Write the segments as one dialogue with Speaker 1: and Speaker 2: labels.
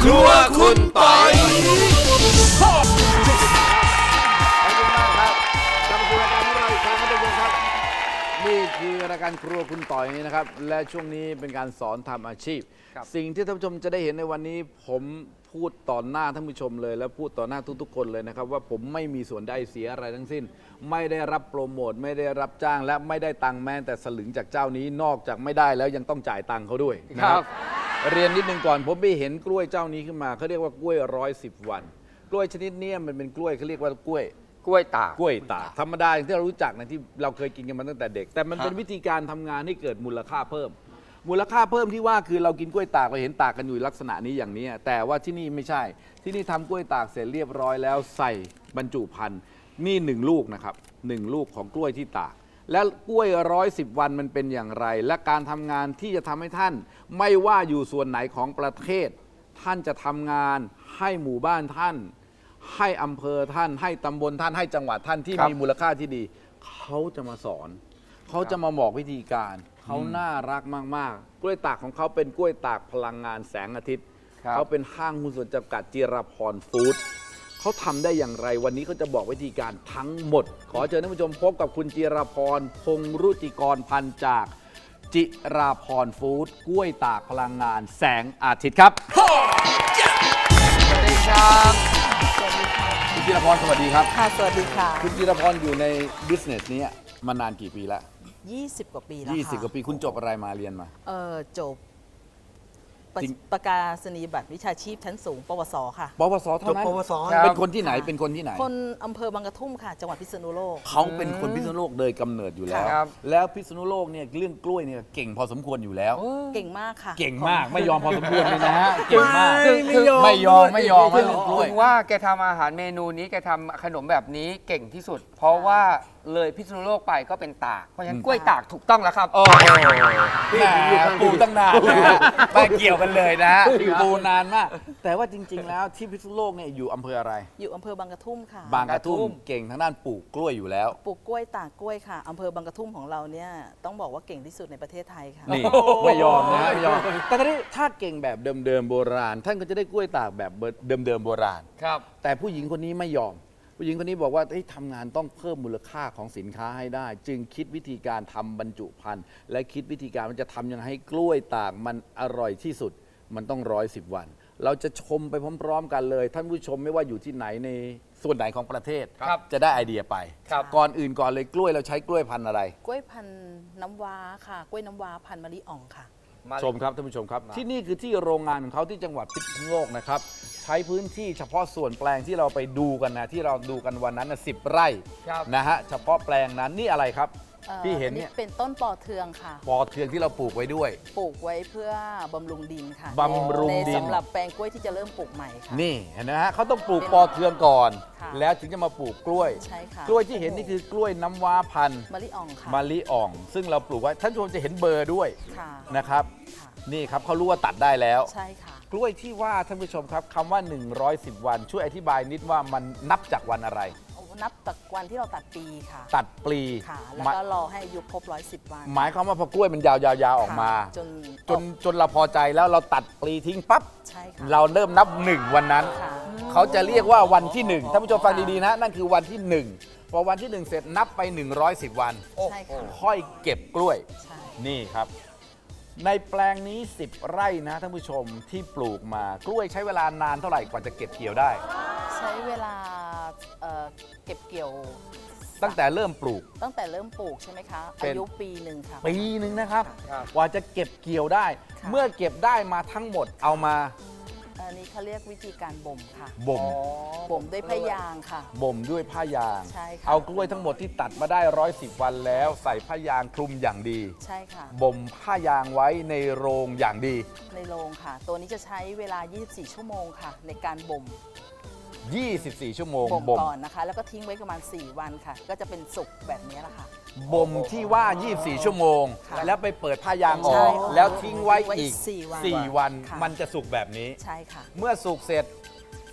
Speaker 1: ครัวคุณปอย
Speaker 2: ขอบคุณมากครับกลับมาสู่รายการของเราอีกครั้งครับทุกคนครับนี่คือรายการครัวคุณต่อยนะครับและช่วงนี้เป็นการสอนทำอาชีพ สิ่งที่ท่านผู้ชมจะได้เห็นในวันนี้ผมพูดต่อหน้าท่านผู้ชมเลย และพูดต่อหน้าทุกๆคนเลยนะครับว่าผมไม่มีส่วนได้เสียอะไรทั้งสิ้น ไม่ได้รับโปรโมทไม่ได้รับจ้างและไม่ได้ตังค์แม้แต่สลึงจากเจ้านี้นอกจากไม่ได้แล้วยังต้องจ่ายตังค์เขาด้วยนะครับเรียนนิดนึงก่อนผมไปเห็นกล้วยเจ้านี้ขึ้นมาเขาเรียกว่ากล้วย110 วัน กล้วยชนิดนี้มันเป็นกล้วยเขาเรียกว่ากล้วยตากธรรมดาอย่างที่เรารู้จักนะที่เราเคยกินกันมาตั้งแต่เด็ก แต่มันเป็นวิธีการทำงานให้เกิดมูลค่าเพิ่ม มูลค่าเพิ่มที่ว่าคือเรากินกล้วยตากเราเห็นตากกันอยู่ลักษณะนี้อย่างนี้แต่ว่าที่นี่ไม่ใช่ที่นี่ทำกล้วยตากเสร็จเรียบร้อยแล้วใส่บรรจุภัณฑ์นี่1 ลูกนะครับ1 ลูกของกล้วยที่ตากและกล้วย110 วันมันเป็นอย่างไร และการทำงานที่จะทำให้ท่านไม่ว่าอยู่ส่วนไหนของประเทศ ท่านจะทำงานให้หมู่บ้านท่าน ให้อำเภอท่านให้ตำบลท่านให้จังหวัดท่านที่มีมูลค่าที่ดี เขาจะมาสอน เขาจะมาบอกวิธีการ เขาน่ารักมากๆ กล้วยตากของเขาเป็นกล้วยตากพลังงานแสงอาทิตย์ เขาเป็นห้างหุ้นส่วนจำกัดจิรพรฟู้ดเขาทำได้อย่างไรวันนี้เขาจะบอกวิธีการทั้งหมด ขอเชิญท่านผู้ชมพบกับคุณจิรพรพงษ์รุจิกรพันธ์จากจิราพรฟู้ดกล้วยตากพลังงานแสงอาทิตย์ครับ
Speaker 3: สวัสดีครับ
Speaker 2: คุณจิรพรสวัสดีครับ
Speaker 4: ค่ะ สวัสดีค่ะ
Speaker 2: คุณจิรพรอยู่ในบิสเนสนี้มานานกี่ปีแล้ว
Speaker 4: 20 กว่าปีแล้วค่ะ
Speaker 2: 20 กว่าปีคุณจบอะไรมาเรียนมา
Speaker 4: จบ
Speaker 2: จริง
Speaker 4: ประกาศนียบัตรวิชาชีพชั้นสูง ปวส ค่ะ
Speaker 2: ปวสเท่านั้น
Speaker 1: จบปวส
Speaker 2: เป็นคนที่ไหนเป็นคนที่ไหน
Speaker 4: คนอำเภอบางกระทุ่มค่ะ จังหวัดพิษณุโลก
Speaker 2: เขาเป็นคนพิษณุโลกโดยกำเนิดอยู่แล้ว
Speaker 3: ครับ
Speaker 2: แล้วพิษณุโลกเนี่ยเรื่องกล้วยเนี่ยเก่งพอสมควรอยู่แล้ว
Speaker 4: เก่งมากค่ะ
Speaker 2: เก่งมากไม่ยอมพอสมควรเลยนะฮะเก่งมาก
Speaker 1: ไม่ยอม
Speaker 2: ไม่ยอมให้เรื่องกล้วย
Speaker 3: ถึงว่าแกทำอาหารเมนูนี้แกทำขนมแบบนี้เก่งที่สุด เพราะว่าเลยพิษณุโลกไปก็เป็นตาก เพราะฉะนั้นกล้วยตากถูกต้องแล้วครับ
Speaker 2: โอ้โหแหมปูตั้งนานนะฮะไม่เกี่ยวกันเลยนะฮะปูนานมาก แต่ว่าจริง ๆ แล้วที่พิษณุโลกเนี่ยอยู่อำเภออะไร
Speaker 4: อยู่อำเภอบางกระทุ่มค่ะ
Speaker 2: บางกระทุ่มเก่งทางด้านปลูกกล้วยอยู่แล้ว
Speaker 4: ปลูกกล้วยตากกล้วยค่ะอำเภอบางกระทุ่มของเราเนี่ยต้องบอกว่าเก่งที่สุดในประเทศไทยค่ะ
Speaker 2: นี่ไม่ยอมนะไม่ยอมแต่ทีนี้ถ้าเก่งแบบเดิมๆโบราณ ท่านก็จะได้กล้วยตากแบบเดิมๆโบราณ
Speaker 3: ครับ
Speaker 2: แต่ผู้หญิงคนนี้ไม่ยอม ผู้หญิงคนนี้บอกว่าทำงานต้องเพิ่มมูลค่าของสินค้าให้ได้ จึงคิดวิธีการทำบรรจุภัณฑ์และคิดวิธีการมันจะทำยังไงให้กล้วยตากมันอร่อยที่สุด มันต้อง110 วัน เราจะชมไปพร้อมๆกันเลย ท่านผู้ชมไม่ว่าอยู่ที่ไหนในส่วนไหนของประเทศ
Speaker 3: ครับ
Speaker 2: จะได้ไอเดียไป
Speaker 3: ครับ
Speaker 2: ก่อนอื่นก่อนเลยกล้วยเราใช้กล้วยพันธุ์อะไร
Speaker 4: กล้วยพันธุ์น้ำว้าค่ะ กล้วยน้ำว้าพันธุ์มะลิอ่องค่ะ
Speaker 2: ชมครับท่านผู้ชมครับ ที่นี่คือที่โรงงานของเขาที่จังหวัดพิษณุโลกนะครับใช้พื้นที่เฉพาะส่วนแปลงที่เราไปดูกันนะที่เราดูกันวันนั้นนะ10 ไร่
Speaker 3: ครับ
Speaker 2: นะฮะเฉพาะแปลงนั้นนี่อะไรครับที่เห็นเนี่ย
Speaker 4: เป็นต้นปอเทืองค่ะ
Speaker 2: ปอเทืองที่เราปลูกไว้ด้วย
Speaker 4: ปลูกไว้เพื่อบำรุงดินค่ะ
Speaker 2: บำรุงดิน
Speaker 4: ในสำหรับแปลงกล้วยที่จะเริ่มปลูกใหม่ค่ะ
Speaker 2: นี่เห็นไหมฮะเขาต้องปลูกปอเทืองก่อน
Speaker 4: ค่ะ
Speaker 2: แล้วถึงจะมาปลูกกล้วย
Speaker 4: ใช่ค่ะ
Speaker 2: กล้วยที่เห็นนี่คือกล้วยน้ำว้าพันธุ์
Speaker 4: มะลิอ่องค่ะ
Speaker 2: มะลิอ่อง ซึ่งเราปลูกไว้ท่านผู้ชมจะเห็นเบอร์ด้วย
Speaker 4: ค่ะ
Speaker 2: นะครับ
Speaker 4: ค่ะ
Speaker 2: นี่ครับเขารู้ว่าตัดได้แล้ว
Speaker 4: ใช่ค่ะ
Speaker 2: กล้วยที่ว่าท่านผู้ชมครับคำว่า 110 วัน ช่วยอธิบายนิดว่ามันนับจากวันอะไร
Speaker 4: นับจากวันที่เราตัดปีค่ะ
Speaker 2: ตัดปลี
Speaker 4: ค่ะ แล้ว
Speaker 2: หมาย
Speaker 4: ก็รอให้อายุครบ110 วัน
Speaker 2: หมายความว่าพอกล้วยมันยาวๆออกมา
Speaker 4: ค่ะ
Speaker 2: จนเราพอใจแล้วเราตัดปลีทิ้งปั๊บ
Speaker 4: ใช่ค่ะ
Speaker 2: เราเริ่มนับ 1 วันนั้น
Speaker 4: ค่ะ
Speaker 2: เขาจะเรียกว่าวันที่1ท่านผู้ชมฟังดีๆนะนั่นคือวันที่ 1 พอวันที่ 1 เสร็จนับไป 110 วัน
Speaker 4: ใช่ค่ะ
Speaker 2: ค่อยเก็บกล้วย
Speaker 4: ใช่
Speaker 2: นี่ครับ ในแปลงนี้ 10 ไร่นะท่านผู้ชมที่ปลูกมากล้วยใช้เวลานานเท่าไหร่กว่าจะเก็บเกี่ยวได้
Speaker 4: ใช้เวลาเก็บเกี่ยว
Speaker 2: ตั้งแต่เริ่มปลูก
Speaker 4: ตั้งแต่เริ่มปลูกใช่ไหมคะ
Speaker 2: เป็น
Speaker 4: อายุปีหนึ่งค่ะ
Speaker 2: ปีหนึ่งนะครับ
Speaker 3: ครับ
Speaker 2: กว่าจะเก็บเกี่ยวได้
Speaker 4: ค่ะ
Speaker 2: เมื่อเก็บได้มาทั้งหมดเอามา
Speaker 4: อันนี้เขาเรียกวิธีการบ่มค่ะ
Speaker 2: บ่ม
Speaker 4: บ่มด้วยพยางค่ะ
Speaker 2: บ่มด้วยผ้ายาง
Speaker 4: ใช่ค่ะ
Speaker 2: เอากล้วยทั้งหมดที่ตัดมาได้110 วันแล้ว ใส่ผ้ายางคลุมอย่างดี
Speaker 4: ใช่ค่ะ
Speaker 2: บ่มผ้ายางไว้ในโรงอย่างดี
Speaker 4: ในโรงค่ะ ตัวนี้จะใช้เวลา 24 ชั่วโมงค่ะ ในการบ่ม
Speaker 2: 24 ชั่วโมง
Speaker 4: บ่ม
Speaker 2: บ่ม
Speaker 4: ก่อนนะคะ แล้วก็ทิ้งไว้ประมาณ 4 วันค่ะ ก็จะเป็นสุกแบบนี้แหละค่ะ
Speaker 2: บ่มที่ว่า 24 ชั่วโมง
Speaker 4: ค่ะ
Speaker 2: แล้วไปเปิดผ้ายางอ
Speaker 4: ใช่
Speaker 2: อก
Speaker 4: ค่ะ
Speaker 2: แล้วทิ้งไว้อีก
Speaker 4: 4 วัน
Speaker 2: 4 วัน
Speaker 4: ค่ะ
Speaker 2: มันจะสุกแบบนี้
Speaker 4: ใช่ค่ะ
Speaker 2: เมื่อสุกเสร็จ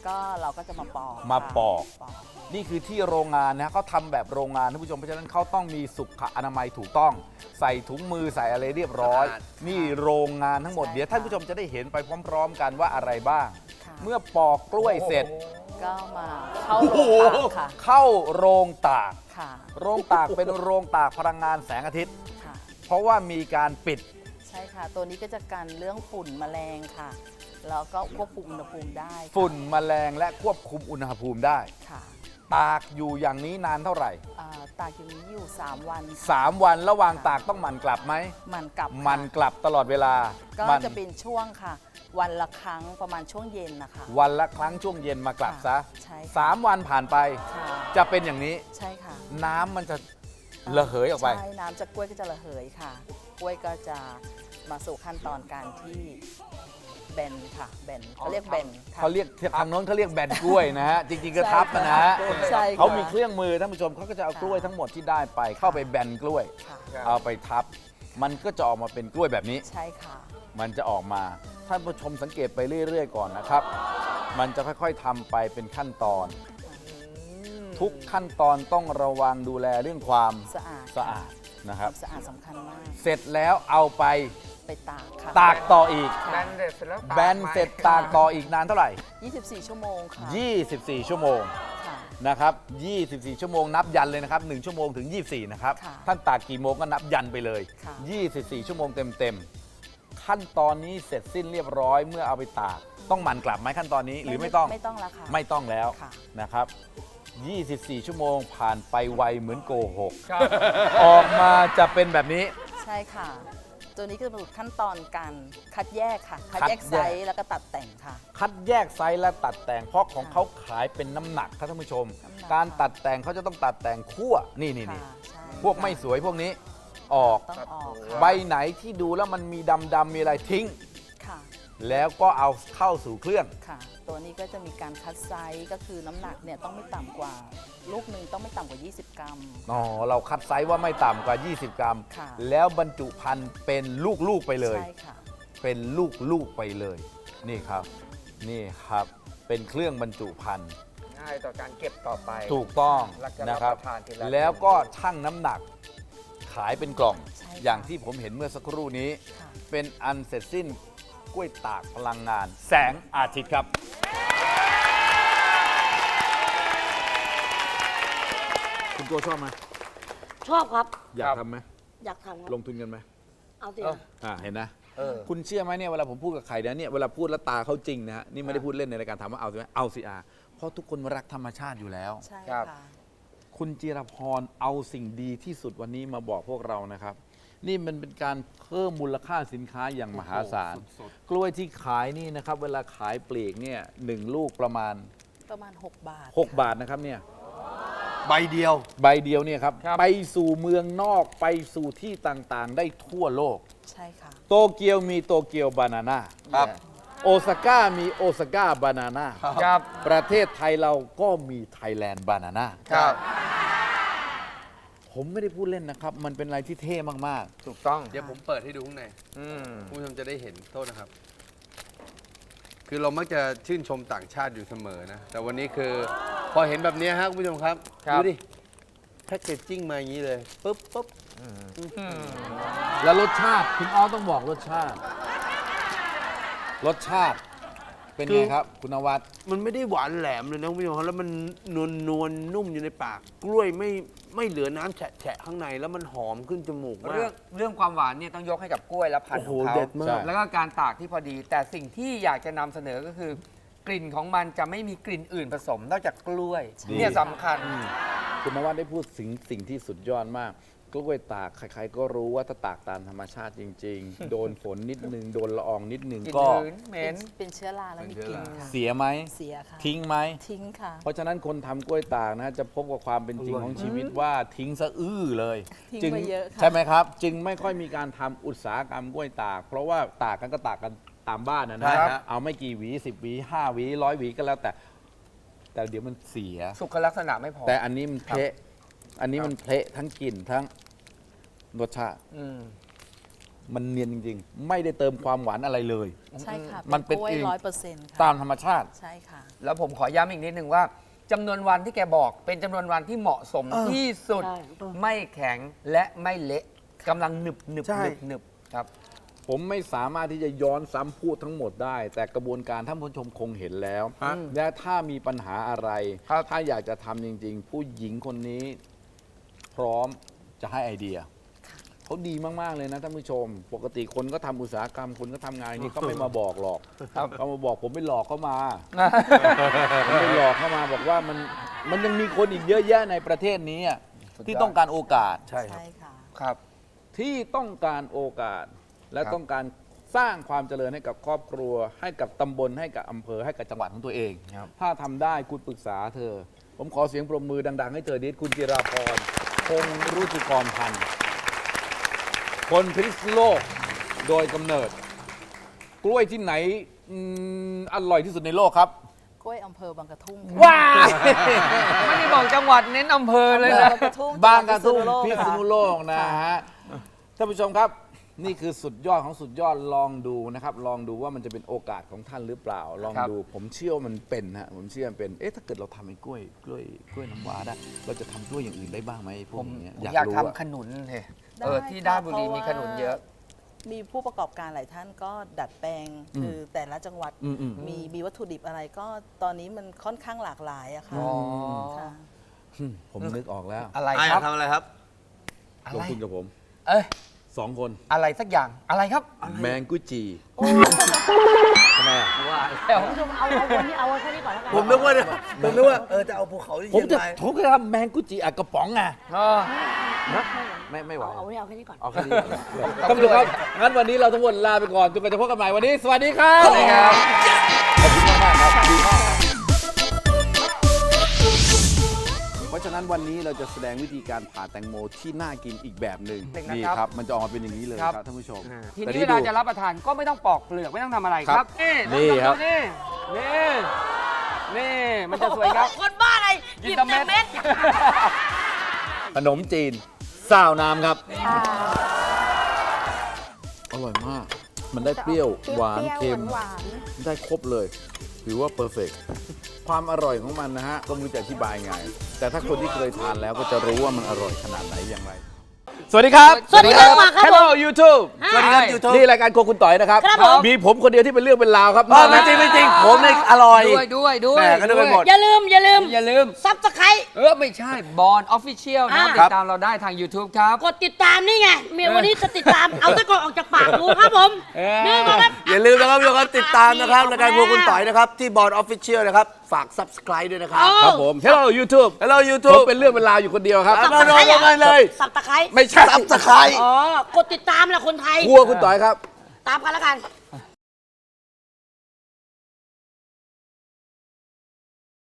Speaker 4: ก็เราก็จะมาปอก
Speaker 2: มาปอก
Speaker 4: ปอก
Speaker 2: นี่คือที่โรงงานนะเขาทำแบบโรงงานท่านผู้ชมเพราะฉะนั้นเขาต้องมีสุขอนามัยถูกต้อง ใส่ถุงมือใส่อะไรเรียบร้อย
Speaker 1: สะอาด
Speaker 2: นี่โรงงานทั้งหมด
Speaker 4: ใช่
Speaker 2: เดี๋ยวท่านผู้ชมจะได้เห็นไปพร้อม ๆ กันว่าอะไรบ้าง
Speaker 4: ค่ะ
Speaker 2: เมื่อปอกกล้วยเสร็จ
Speaker 4: ก็มาเข้าโรงตากค่ะ
Speaker 2: เข้าโรงตาก
Speaker 4: ค่ะ
Speaker 2: โรงตากเป็นโรงตากพลังงานแสงอาทิตย์
Speaker 4: ค่ะ
Speaker 2: เพราะว่ามีการปิด
Speaker 4: ใช่ค่ะ ตัวนี้ก็จะกันเรื่องฝุ่นแมลงค่ะ แล้วก็ควบคุมอุณหภูมิได้ค่ะ
Speaker 2: ฝุ่นแมลงและควบคุมอุณหภูมิได้
Speaker 4: ค่ะ
Speaker 2: ตากอยู่อย่างนี้นานเท่าไหร่
Speaker 4: ตากอย่างนี้อยู่ 3 วันค่ะ
Speaker 2: 3 วันระหว่างตากต้องหมั่นกลับไหม
Speaker 4: มันกลับค่ะ
Speaker 2: หมันกลับตลอดเวลา
Speaker 4: ก็
Speaker 2: มัน
Speaker 4: จะเป็นช่วงค่ะ วันละครั้งประมาณช่วงเย็นนะคะ
Speaker 2: วันละครั้งช่วงเย็นมากลับซะ
Speaker 4: ใช่ค่ะ
Speaker 2: 3 วันผ่านไป
Speaker 4: ค่ะ
Speaker 2: จะเป็นอย่างนี้
Speaker 4: ใช่ค่ะ
Speaker 2: น้ำมันจะระเหยออกไป
Speaker 4: ใช่น้ำจากกล้วยก็จะระเหยค่ะ กล้วยก็จะมาสู่ขั้นตอนการที่แบนค่ะแบนเขาเรียกแบนค่ะ
Speaker 2: เขาเรียกทางโน้นเขาเรียกแบนกล้วยนะฮะ จริงๆก็ทับนะฮะ
Speaker 4: ใช่ค่ะ
Speaker 2: เขามีเครื่องมือท่านผู้ชมเขาก็จะเอากล้วยทั้งหมดที่ได้ไป เข้าไปแบนกล้วย
Speaker 4: ค่ะ
Speaker 2: เอาไปทับ มันก็จะออกมาเป็นกล้วยแบบนี้
Speaker 4: ใช่ค่ะ
Speaker 2: มันจะออกมาท่านผู้ชมสังเกตไปเรื่อยๆก่อนนะครับ มันจะค่อยๆทำไปเป็นขั้นตอน ทุกขั้นตอนต้องระวังดูแลเรื่องความ
Speaker 4: สะอาด
Speaker 2: สะอาดนะครับ
Speaker 4: สะอาดสำคัญมาก
Speaker 2: เสร็จแล้วเอาไป
Speaker 4: ไปตากค่ะ
Speaker 2: ตากต่ออีก
Speaker 3: แบนเสร็จแล้วตาก
Speaker 2: แบนเสร็จตากต่ออีกนานเท่าไหร่
Speaker 4: 24 ชั่วโมงค่ะ
Speaker 2: 24 ชั่วโมง
Speaker 4: ค่ะ
Speaker 2: นะครับ 24 ชั่วโมงนับยันเลยนะครับ 1 ชั่วโมงถึง 24 นะครับ
Speaker 4: ค่ะ
Speaker 2: ท่านตากกี่โมงก็นับยันไปเลย
Speaker 4: ค่ะ
Speaker 2: 24 ชั่วโมงเต็มๆ ขั้นตอนนี้เสร็จสิ้นเรียบร้อยเมื่อเอาไปตาก ต้องหมั่นกลับไหมขั้นตอนนี้หรือไม่ต้อง
Speaker 4: ไม่ต้องแล้วค่ะ
Speaker 2: ไม่ต้องแล้ว
Speaker 4: ค่ะ
Speaker 2: นะครับ 24 ชั่วโมงผ่านไปไวเหมือนโกหก
Speaker 3: ครับ
Speaker 2: ออกมาจะเป็นแบบนี้
Speaker 4: ใช่ค่ะ ตัวนี้ก็จะเป็นขั้นตอนการคัดแยกค่ะ คัด
Speaker 2: คัด
Speaker 4: แย
Speaker 2: แย
Speaker 4: ก
Speaker 2: ก
Speaker 4: ไซส์แล้วก็ตัดแต่งค่ะ
Speaker 2: คัดแยกไซส์และตัดแต่งเพราะของเขาขายเป็นน้ำหนักครับท่านผู้ชม
Speaker 4: น้ำหนัก
Speaker 2: การตัดแต่งเขาจะต้องตัดแต่งคั่วนี่
Speaker 4: ค่ะใช่
Speaker 2: พวกไม่สวยพวกนี้ออก
Speaker 4: ต้องออกค่ะ
Speaker 2: ใบไหนที่ดูแล้วมันมีดำๆมีอะไรทิ้ง
Speaker 4: ค่ะ
Speaker 2: แล้วก็เอาเข้าสู่เครื่อง
Speaker 4: ค่ะ ตัวนี้ก็จะมีการคัดไซส์ก็คือน้ำหนักเนี่ยต้องไม่ต่ำกว่า ลูกหนึ่งต้องไม่ต่ำกว่า 20 กรัม
Speaker 2: อ๋อ เราคัดไซส์ว่าไม่ต่ำกว่า 20 กรัม
Speaker 4: ค่ะ
Speaker 2: แล้วบรรจุภัณฑ์เป็นลูกๆไปเลย
Speaker 4: ใช่ค่ะ
Speaker 2: เป็นลูกๆไปเลย นี่ครับ นี่ครับ เป็นเครื่องบรรจุภัณฑ์
Speaker 3: ง่ายต่อการเก็บต่อไป
Speaker 2: ถูกต้อง
Speaker 3: แล้วก็
Speaker 2: นะครับ
Speaker 3: รับประทานทีละ
Speaker 2: แล้วก็ชั่งน้ำหนัก ขายเป็นกล่อง
Speaker 4: ใช่ค่ะ
Speaker 2: อย่างที่ผมเห็นเมื่อสักครู่นี้
Speaker 4: ค่ะ
Speaker 2: เป็นอันเสร็จสิ้นกล้วยตากพลังงาน แสงอาทิตย์ครับ คุณโจชอบไหม
Speaker 5: ชอบครับ
Speaker 2: อยากทำไหม
Speaker 5: อยากทำครับ
Speaker 2: ลงทุนกันไหม
Speaker 5: เอาสิ
Speaker 2: เห็นนะ
Speaker 3: เออ
Speaker 2: คุณเชื่อไหมเนี่ยเวลาผมพูดกับใครเนี่ยเวลาพูดแล้วตาเขาจริงนะฮะนี่ไม่ได้พูดเล่นในรายการถามว่าเอาสิไหมเอาสิเพราะทุกคนรักธรรมชาติอยู่แล้ว
Speaker 4: ใช่
Speaker 3: ครับ
Speaker 4: ค่ะ
Speaker 2: คุณจิรพรเอาสิ่งดีที่สุดวันนี้มาบอกพวกเรานะครับ นี่มันเป็นการเพิ่มมูลค่าสินค้าอย่างมหาศาล กล้วยที่ขายนี่นะครับ เวลาขายปลีกเนี่ย1 ลูกประมาณ
Speaker 4: ประมาณ 6 บาท
Speaker 2: 6 บาทนะครับเนี่ย
Speaker 1: ใบเดียว
Speaker 2: ใบเดียวเนี่ยครับ
Speaker 3: ครับ
Speaker 2: ไปสู่เมืองนอกไปสู่ที่ต่างๆ ได้ทั่วโลก
Speaker 4: ใช่ค่ะ
Speaker 2: โตเกียวมีโตเกียวบานาน่า
Speaker 1: ครับ
Speaker 2: โอซาก้ามีโอซาก้าบานาน่า
Speaker 3: ครับ
Speaker 2: ประเทศไทยเราก็มีไทยแลนด์บานาน่า
Speaker 3: ครับ
Speaker 2: ผมไม่ได้พูดเล่นนะครับ มันเป็นอะไรที่เท่มาก
Speaker 3: ถูกต้อง
Speaker 1: เดี๋ยวผมเปิดให้ดูข้างใน
Speaker 3: อืม
Speaker 1: คุณผู้ชมจะได้เห็นโทษนะครับ คือเรามักจะชื่นชมต่างชาติอยู่เสมอนะ แต่วันนี้คือพอเห็นแบบนี้ฮะคุณผู้ชมครับ
Speaker 3: ครับ
Speaker 1: ดูดิแพ็กเกจจิ้งมาอย่างนี้เลยปุ๊บปุ๊บ
Speaker 2: ๆ แล้วรสชาติคุณอ้อต้องบอกรสชาติ รสชาติ เป็นไงครับ คุณนวัด
Speaker 6: มันไม่ได้หวานแหลมเลยนะคุณผู้ชมครับแล้วมันนวลนุ่มอยู่ในปาก กล้วยไม่เหลือน้ำแฉะข้างในแล้วมันหอมขึ้นจมูกมา
Speaker 3: เรื่อง
Speaker 6: ก
Speaker 3: เรื่องความหวานเนี่ยต้องยกให้กับกล้วยและพันธุ์ของ
Speaker 6: โอ้โห
Speaker 3: เขา
Speaker 6: เด็ดมาก
Speaker 2: ใช่
Speaker 3: แล้วก็การตากที่พอดี แต่สิ่งที่อยากจะนำเสนอก็คือ กลิ่นของมันจะไม่มีกลิ่นอื่นผสม นอกจากกล้วย
Speaker 2: ดี
Speaker 3: เนี่ยสำคัญ
Speaker 2: คุณนวัดได้พูดสิ่งที่สุดยอดมากกล้วยตากใครๆก็รู้ว่าถ้าตากตามธรรมชาติจริง ๆ โดนฝนนิดนึง โดนละอองนิดนึง
Speaker 3: กลิ่น
Speaker 2: ก็
Speaker 3: หืนเหม็น
Speaker 4: เป็นเชื้อราแล้วมีกลิ่นค่ะ
Speaker 2: เสียไหม
Speaker 4: เสียค่ะ
Speaker 2: ทิ้งไหม
Speaker 4: ทิ้งค่ะ
Speaker 2: เพราะฉะนั้นคนทำกล้วยตากนะจะพบกับความเป็นจริงของชีวิตว่าทิ้งสะอื้อเลย
Speaker 4: ทิ้ง
Speaker 2: จึง
Speaker 4: ไปเยอะค่ะ
Speaker 2: ใช่ไหมครับ จึงไม่ค่อยมีการทำอุตสาหกรรมกล้วยตาก เพราะว่าตากกันก็ตากกันตามบ้านนะ
Speaker 1: ใช่
Speaker 2: นะ
Speaker 1: ฮะ
Speaker 2: เอาไม่กี่หวี10 หวี 5 หวี 100 หวีก็แล้วแต่เดี๋ยวมันเสีย
Speaker 3: สุขลักษณะไม่พอ
Speaker 2: แต่อันนี้มันเพะอันนี้มันเพะทั้งกลิ่นทั้งรสชาติ
Speaker 3: อืม
Speaker 2: มันเนียนจริงๆ ไม่ได้เติมความหวานอะไรเลย
Speaker 4: ใช่ค่ะ
Speaker 2: มันเป็น
Speaker 4: กล้วย
Speaker 2: เอง
Speaker 4: 100%ค่ะ
Speaker 2: ตามธรรมชาติ
Speaker 4: ใช่ค่ะ
Speaker 3: แล้วผมขอย้ำอีกนิดนึงว่าจำนวนวันที่แกบอกเป็นจำนวนวันที่เหมาะสมที่สุด
Speaker 5: ใช่
Speaker 3: ไม่แข็งและไม่เละกำลังหนึบหนึบ
Speaker 6: ใช่
Speaker 3: หนึบหนึบครับ
Speaker 2: ผมไม่สามารถที่จะย้อนซ้ำพูดทั้งหมดได้ แต่กระบวนการท่านผู้ชมคงเห็นแล้ว และถ้ามีปัญหาอะไร
Speaker 3: ครับ
Speaker 2: ถ้าอยากจะทำจริง ๆ ผู้หญิงคนนี้พร้อมจะให้ไอเดียเขาดีมาก ๆ เลยนะท่านผู้ชม ปกติคนก็ทำอุตสาหกรรมคนก็ทำงานนี่เขาไม่มาบอกหรอกเขามาบอกผมไปหลอกเขามา ผมไปหลอกเข้ามาบอกว่ามันยังมีคนอีกเยอะแยะในประเทศนี้อะที่ต้องการโอกาส
Speaker 6: ใช่ครับ
Speaker 4: ใช่ค่ะ
Speaker 3: ครับ
Speaker 2: ที่ต้องการโอกาส และ
Speaker 3: ครับ
Speaker 2: ต้องการสร้างความเจริญให้กับครอบครัว ให้กับตำบลให้กับอำเภอให้กับจังหวัดของตัวเอง ถ้าทำได้คุณปรึกษาเธอ ผมขอเสียงปรบมือดัง ๆ ให้เธอนิดคุณจิราพรคงรุจิกรพันธ์คนพิษณุโลกโดยกำเนิด กล้วยที่ไหนอร่อยที่สุดในโลกครับ
Speaker 4: กล้วยอำเภอบางกระทุ่ม
Speaker 3: ว้าไม่ได้บอกจังหวัดเน้นอำเภอเลยนะ
Speaker 4: บางกระทุ่ม
Speaker 2: บางกระทุ่มพิ
Speaker 4: พิ
Speaker 2: ษ
Speaker 4: ษ
Speaker 2: ณุ
Speaker 4: ณุ
Speaker 2: โล
Speaker 4: โล
Speaker 2: ก
Speaker 4: ก
Speaker 2: นะ
Speaker 4: ค่ะ
Speaker 2: ฮะท่านผู้ชมครับ นี่คือสุดยอดของสุดยอดลองดูนะครับ ลองดูว่ามันจะเป็นโอกาสของท่านหรือเปล่า ลอง
Speaker 3: ครับ
Speaker 2: ดูผมเชื่อว่ามันเป็นฮะผมเชื่อมันเป็นถ้าเกิดเราทำไอ้กล้วยน้ำว้าได้ เราจะทำกล้วยอย่างอื่นได้บ้างไหมพว
Speaker 3: ผ
Speaker 2: ก
Speaker 3: ม
Speaker 2: นี้
Speaker 3: อยาก
Speaker 2: รู้อะ
Speaker 3: ทำขนุนเลย
Speaker 4: ได้
Speaker 3: ที่
Speaker 4: ค่ะ
Speaker 3: ด้านบุรี
Speaker 4: เพราะ
Speaker 3: มีขนุนเยอะ
Speaker 4: มีผู้ประกอบการหลายท่านก็ดัดแปลงคือแต่ละจังหวัด
Speaker 2: อืม
Speaker 4: มีวัตถุดิบอะไรก็ตอนนี้มันค่อนข้างหลากหลายอะค่ะ
Speaker 3: อ๋อ
Speaker 4: ค่ะ
Speaker 2: ผมนึกออกแล้ว
Speaker 3: อะไร
Speaker 6: ไอ้
Speaker 3: ครับ
Speaker 6: ทำอะไรครับ
Speaker 3: อะ
Speaker 2: ลง
Speaker 3: ไร
Speaker 2: ทุนกับผม
Speaker 3: เอ้ย
Speaker 2: 2 คน
Speaker 3: อะไรสักอย่างอะไรครับ
Speaker 2: แมงกุจีทำไมอะ
Speaker 3: ว่าแล้ว
Speaker 5: คุณผู้ชมเอาวันนี้เอาไว้แค่นี้ก่อนแล้วกัน
Speaker 6: ผมนึกว่าจะเอาภูเขาที่
Speaker 2: ผม
Speaker 6: เชียง
Speaker 2: จะ
Speaker 6: ราย
Speaker 2: ผมจะทำแมงกุจีอัดกระป๋องไง
Speaker 3: อ๋อ
Speaker 2: ไม่ไหว
Speaker 5: เอาไว้เอาแค่นี้ก่อน
Speaker 2: เอาแค่นี้ท่านผู้ชมครับ งั้นวันนี้เราทั้งหมดลาไปก่อนจนกว่าจะพบกันใหม่วันนี้ สวัสดีครับ
Speaker 3: สวัสดีครับ
Speaker 2: ขอบคุณมากๆครับดีมากครับเพราะฉะนั้นวันนี้เราจะแสดงวิธีการผ่าแตงโมที่น่ากินอีกแบบหนึ่ง
Speaker 3: เด็กนะครับ
Speaker 2: นี่ครับ มันจะออกมาเป็นอย่างนี้เลย
Speaker 3: ครับ
Speaker 2: ครับท่านผู้ชม
Speaker 3: ที
Speaker 2: แต่
Speaker 3: นี้เวลา
Speaker 2: ดู
Speaker 3: จะรับประทานก็ไม่ต้องปอกเปลือกไม่ต้องทำอะไร
Speaker 2: ค
Speaker 3: ค
Speaker 2: รั
Speaker 3: รับ บ
Speaker 2: นี่ครับ
Speaker 3: นี่มันจะสวยครับ
Speaker 5: คนบ้าอะไรหยิบแต่เม็ด
Speaker 2: ขนมจีนซาวน้ำครับ อร่อยมาก มันได้เปรี้ยวหวานเค็มได้ครบเลย ถือว่าเพอร์เฟกความอร่อยของมันนะฮะ ก็ไม่รู้จะอธิบายไง แต่ถ้าคนที่เคยทานแล้วก็จะรู้ว่ามันอร่อยขนาดไหนอย่างไร สวัสดีครับ
Speaker 5: สวัสดีครับมาครับ
Speaker 2: Hello YouTube
Speaker 6: สวัสดีครับ YouTube
Speaker 2: นี่รายการโครัวคุณต่อยนะครับ
Speaker 5: ครับผม
Speaker 2: มีผมคนเดียวที่เป็นเรื่องเป็นราวครับ
Speaker 6: ไม่จริงไม่จริงผมเนี่ยอร่อย
Speaker 3: ด้วย
Speaker 6: แหม่ก็นึกไปหมด
Speaker 5: อย่าลืม
Speaker 3: อย่าลืม
Speaker 5: ซับสไครต์
Speaker 3: ไม่ใช่บอลออฟฟิเชียลนะ
Speaker 5: อ่า
Speaker 3: ติดตามเราได้ทาง YouTube ครับ
Speaker 5: กดติดตามนี่ไงเมียวันนี้จะติดตาม เอาตะกอนออกจากปากดูครับผม นี่ก็ครับ
Speaker 6: อย่าลืมนะครับทุกคนติดตามนะครับรายการพวกคุณต่อยนะครับ ที่บอร์ดออฟฟิเชียลนะครับ ฝาก subscribe ด้วยนะครับ
Speaker 2: ครับผม Hello YouTube
Speaker 6: Hello
Speaker 2: ผม
Speaker 6: YouTube
Speaker 2: เป็นเรื่องเป็นราวอยู่คนเดียวครับ
Speaker 6: มาโดนกันเลย
Speaker 5: สับตะไคร้
Speaker 2: ไม่ใช่
Speaker 6: subscribe
Speaker 5: อ๋อ กดติดตามแหละคนไทย
Speaker 2: ครัวคุณต่อยครับ
Speaker 5: ตามกันแล้วกัน